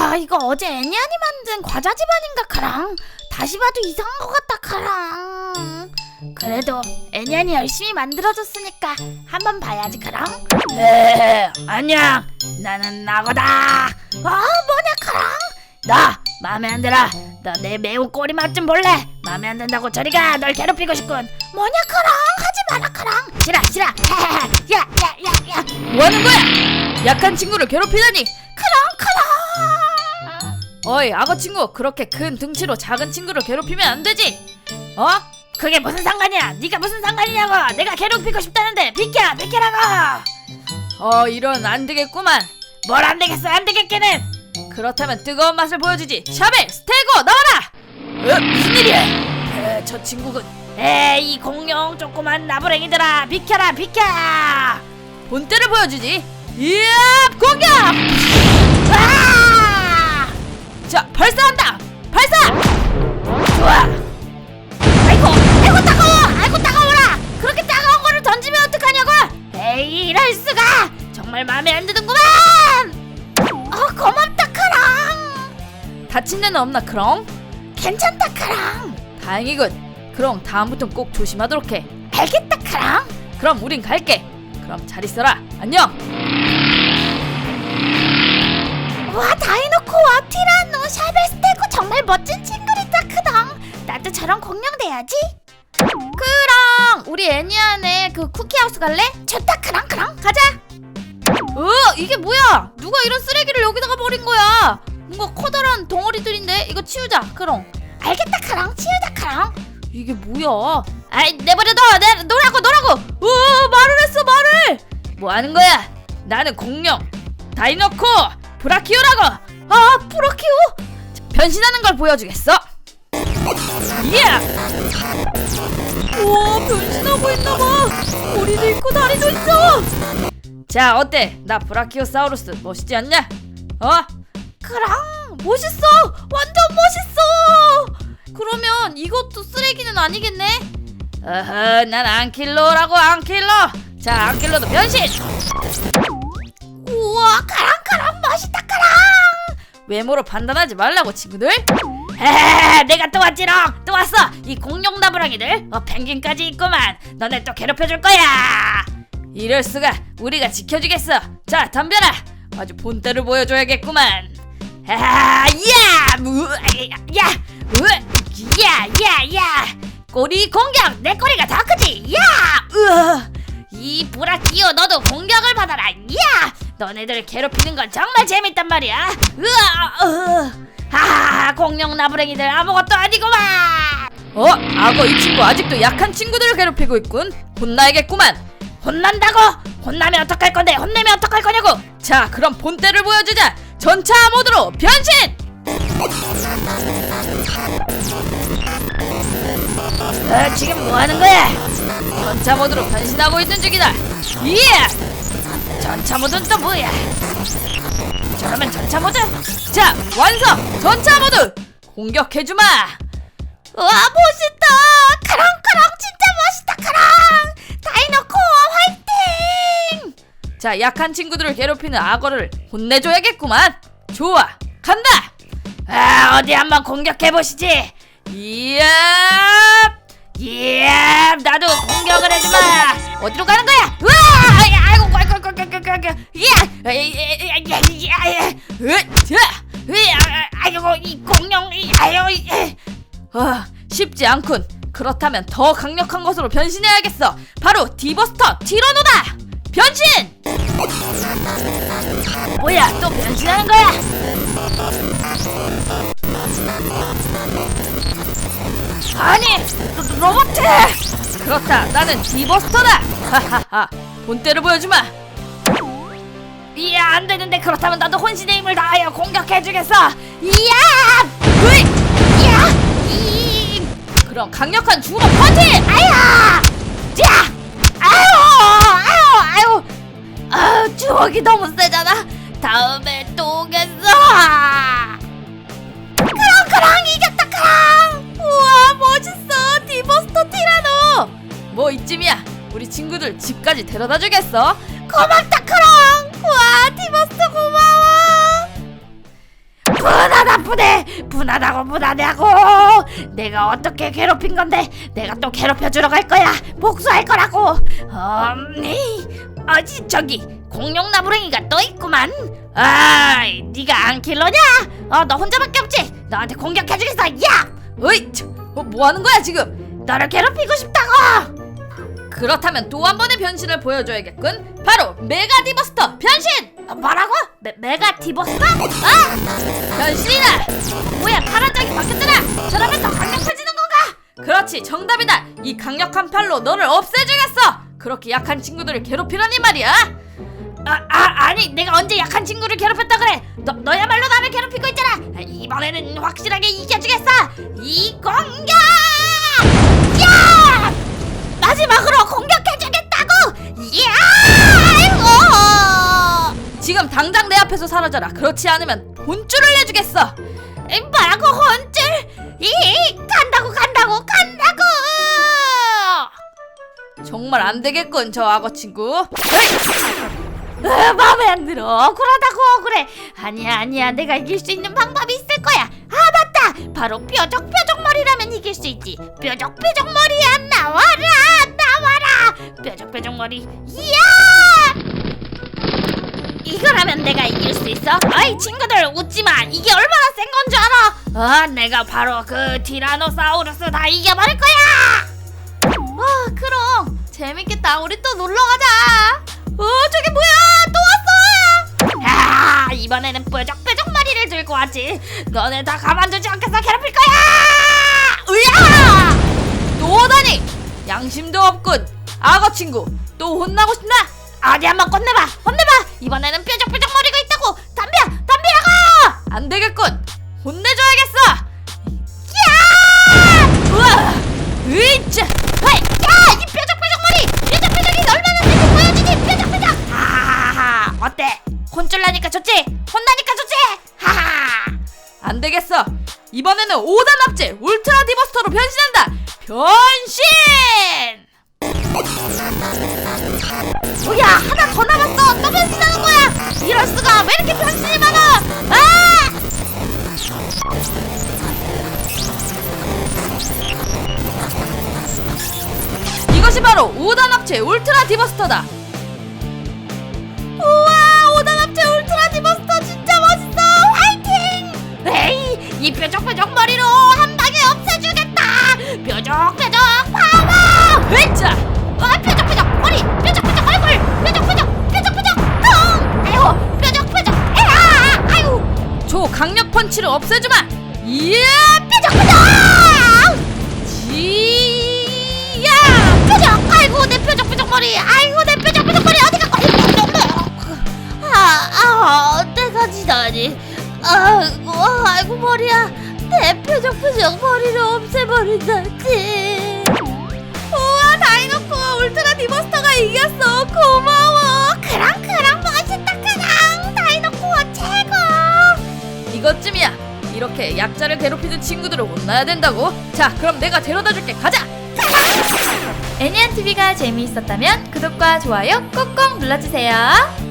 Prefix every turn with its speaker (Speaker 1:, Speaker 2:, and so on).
Speaker 1: 이거 어제 애니안이 만든 과자 집안인가 카랑. 다시 봐도 이상한 것 같다 카랑. 그래도 애니안이 열심히 만들어줬으니까 한번 봐야지 카랑. 안녕, 나는 나고다. 뭐냐 카랑? 너 마음에 안 들어? 너 내 매운 꼬리 맛 좀 볼래? 마음에 안 든다고 저리가. 널 괴롭히고 싶군. 뭐냐 카랑? 하지 마라 카랑. 싫어. 야.
Speaker 2: 뭐하는 거야? 약한 친구를 괴롭히다니.
Speaker 1: 카랑.
Speaker 2: 어이 악어 친구, 그렇게 큰 등치로 작은 친구를 괴롭히면 안 되지.
Speaker 1: 그게 무슨 상관이야? 네가 무슨 상관이냐고. 내가 괴롭히고 싶다는데 비켜라고.
Speaker 2: 이런 안 되겠구만.
Speaker 1: 뭘 안 되겠어. 안 되겠기는.
Speaker 2: 그렇다면 뜨거운 맛을 보여주지. 샤벨 스테고 나와라. 무슨 일이야? 저 친구군.
Speaker 1: 에이, 이 공룡 조그만 나부랭이들아, 비켜라.
Speaker 2: 본때를 보여주지. 이야, 공격!
Speaker 1: 아!
Speaker 2: 자, 발사한다. 발사!
Speaker 1: 좋아. 아이고 따가워라. 그렇게 따가운 거를 던지면 어떡하냐고. 에이, 이럴 수가. 정말 마음에 안 드는구만. 고맙다 카랑.
Speaker 2: 다친 데는 없나 크롱?
Speaker 1: 괜찮다 카랑.
Speaker 2: 다행이군. 크롱, 다음부턴 꼭 조심하도록 해.
Speaker 1: 알겠다 카랑.
Speaker 2: 그럼 우린 갈게. 그럼 잘 있어라. 안녕.
Speaker 1: 와, 다이노코와 티라노, 샤벨 스테고 정말 멋진 친구들이다 크당. 나도 저런 공룡 돼야지.
Speaker 2: 크롱, 우리 애니안에 그 쿠키하우스 갈래?
Speaker 1: 좋다 크랑.
Speaker 2: 가자. 이게 뭐야? 누가 이런 쓰레기를 여기다가 버린 거야? 뭔가 커다란 덩어리들인데 이거 치우자. 크롱.
Speaker 1: 알겠다 크랑. 치우자 크랑.
Speaker 2: 이게 뭐야? 아이, 내버려둬. 노라고. 말을 했어. 뭐 하는 거야? 나는 공룡 다이노코 브라키오라고.
Speaker 1: 브라키오?
Speaker 2: 변신하는 걸 보여주겠어. 이야! 우와, 변신하고 있나봐. 머리도 있고 다리도 있어. 자, 어때? 나 브라키오사우루스 멋있지 않냐?
Speaker 1: 크랑.
Speaker 2: 멋있어. 완전 멋있어. 그러면 이것도 쓰레기는 아니겠네? 난 안킬로라고. 안킬로. 자, 안킬로도 변신.
Speaker 1: 우와, 크랑 멋있다 크랑.
Speaker 2: 외모로 판단하지 말라고 친구들.
Speaker 1: 내가 또 왔지롱. 또 왔어. 이 공룡 나부랑이들. 펭귄까지 있구만. 너네 또 괴롭혀줄 거야.
Speaker 2: 이럴 수가. 우리가 지켜주겠어. 자, 덤벼라. 아주 본때를 보여줘야겠구만.
Speaker 1: 야. 꼬리 공격. 내 꼬리가 더 크지. 이 브라키오, 너도 공격을 받아라. 너네들 괴롭히는 건 정말 재밌단 말이야. 공룡 나부랭이들 아무것도 아니구만.
Speaker 2: 악어 이 친구 아직도 약한 친구들을 괴롭히고 있군. 혼나야겠구만.
Speaker 1: 혼난다고? 혼나면 어떡할 건데? 혼내면 어떡할 거냐고?
Speaker 2: 자, 그럼 본때를 보여주자. 전차 모드로 변신.
Speaker 1: 지금 뭐 하는 거야?
Speaker 2: 전차 모드로 변신하고 있는 중이다.
Speaker 1: 전차 모드는 또 뭐야? 저러면 전차 모드?
Speaker 2: 자, 완성. 전차 모드 공격해주마.
Speaker 1: 와, 멋있다. 카랑 진짜 멋있다. 카랑 다이노코 화이팅.
Speaker 2: 자, 약한 친구들을 괴롭히는 악어를 혼내줘야겠구만. 좋아, 간다.
Speaker 1: 어디 한번 공격해보시지. 나도 공격을 해주마. 어디로 가는 거야? 아이고, 이 공룡.
Speaker 2: 쉽지 않군. 그렇다면 더 강력한 것으로 변신해야겠어. 바로 디버스터 티라노다. 변신!
Speaker 1: 뭐야, 또 변신하는 거야? 아니, 로봇!
Speaker 2: 그렇다, 나는 디버스터다. 하하하, 본때를 보여주마.
Speaker 1: 안 되는데. 그렇다면 나도 혼신의 힘을 다하여 공격해주겠어.
Speaker 2: 그럼 강력한 주먹 펀치!
Speaker 1: 주먹이 너무 세잖아. 다음에 또 오겠어. 크랑 이겼다 크랑.
Speaker 2: 우와, 멋있어. 디버스터 티라노. 뭐 이쯤이야. 우리 친구들 집까지 데려다 주겠어.
Speaker 1: 고맙다 크랑. 와, 디버스터 고마워. 분하다고. 내가 어떻게 괴롭힌 건데 내가 또 괴롭혀주러 갈 거야. 복수할 거라고. 저기 공룡나무랭이가 또 있구만. 아이, 네가 안킬러냐? 너 혼자밖에 없지? 너한테 공격해주겠어. 야!
Speaker 2: 어이, 뭐 하는 거야 지금?
Speaker 1: 너를 괴롭히고 싶다고.
Speaker 2: 그렇다면 또 한 번의 변신을 보여줘야겠군. 바로 메가 디버스터 변신!
Speaker 1: 뭐라고? 메가 디버스터?
Speaker 2: 변신이다!
Speaker 1: 뭐야, 파란 짝이 바뀌었잖아. 저러면 더 강력해지는 건가?
Speaker 2: 그렇지, 정답이다! 이 강력한 팔로 너를 없애주겠어! 그렇게 약한 친구들을 괴롭히라니 말이야!
Speaker 1: 아니, 내가 언제 약한 친구를 괴롭혔다 그래? 너야말로 나를 괴롭히고 있잖아. 이번에는 확실하게 이겨주겠어. 이 공격! 야! 마지막으로 공격해주겠다고! 야!
Speaker 2: 지금 당장 내 앞에서 사라져라. 그렇지 않으면 혼쭐을 내주겠어.
Speaker 1: 뭐라고, 혼쭐? 간다고.
Speaker 2: 정말 안 되겠군, 저 악어 친구.
Speaker 1: 마음에 안 들어. 억울하다고. 그래. 아니야. 내가 이길 수 있는 방법이 있을 거야. 맞다. 바로 뾰족머리라면 이길 수 있지. 뾰족머리야, 나와라. 뾰족머리. 이야! 이거라면 내가 이길 수 있어. 어이, 친구들 웃지마. 이게 얼마나 센 건 줄 알아? 내가 바로 그 티라노사우루스 다 이겨버릴 거야.
Speaker 2: 그럼 재밌겠다. 우리 또 놀러 가자. 저게 뭐야? 또 왔어.
Speaker 1: 이번에는 뾰족머리를 들고 왔지. 너네 다 가만두지 않겠어. 괴롭힐 거야.
Speaker 2: 또 오다니. 양심도 없군. 악어 친구, 또 혼나고 싶나?
Speaker 1: 어디 한번 혼내봐. 이번에는 뾰족머리가 있다고. 덤비라고.
Speaker 2: 안 되겠군. 혼내줘야겠어.
Speaker 1: 우와!
Speaker 2: 으이짜.
Speaker 1: 이 뾰족머리! 뾰족이 얼마나 센지 보여주지! 뾰족! 하하하! 어때? 혼쭐나니까 좋지? 혼나니까 좋지? 하하!
Speaker 2: 안 되겠어. 이번에는 5단 합체 울트라 디버스터로 변신한다. 변신!
Speaker 1: 뭐야, 하나 더 남았어. 또 변신하는 거야. 이럴 수가. 왜 이렇게 변신이 많아?
Speaker 2: 이것이 바로 5단 합체 울트라 디버스터다.
Speaker 1: 우와, 5단 합체 울트라 디버스터 진짜 멋있어. 화이팅! 에이, 이 뾰족머리로 한 방에 없애주겠다. 뾰족 파워!
Speaker 2: 으이짜.
Speaker 1: 뾰족머리, 뾰족 얼굴, 뾰족 통! 아유, 뾰족, 아유,
Speaker 2: 조 강력 펀치를 없애주마. 이야,
Speaker 1: 뾰족!
Speaker 2: 지야.
Speaker 1: 아이고, 내 뾰족머리, 어디 갔고? 내가 지다니. 아이고, 머리야. 내 뾰족머리를 없애버린다지. 우와, 다이노코 울트라 디버스터가 이겼어. 고마워. 그랑 멋있다. 다이노코 최고.
Speaker 2: 이것쯤이야. 이렇게 약자를 괴롭히는 친구들을 혼나야 된다고. 자, 그럼 내가 데려다줄게. 가자.
Speaker 3: 애니안TV가 재미있었다면 구독과 좋아요 꾹꾹 눌러주세요.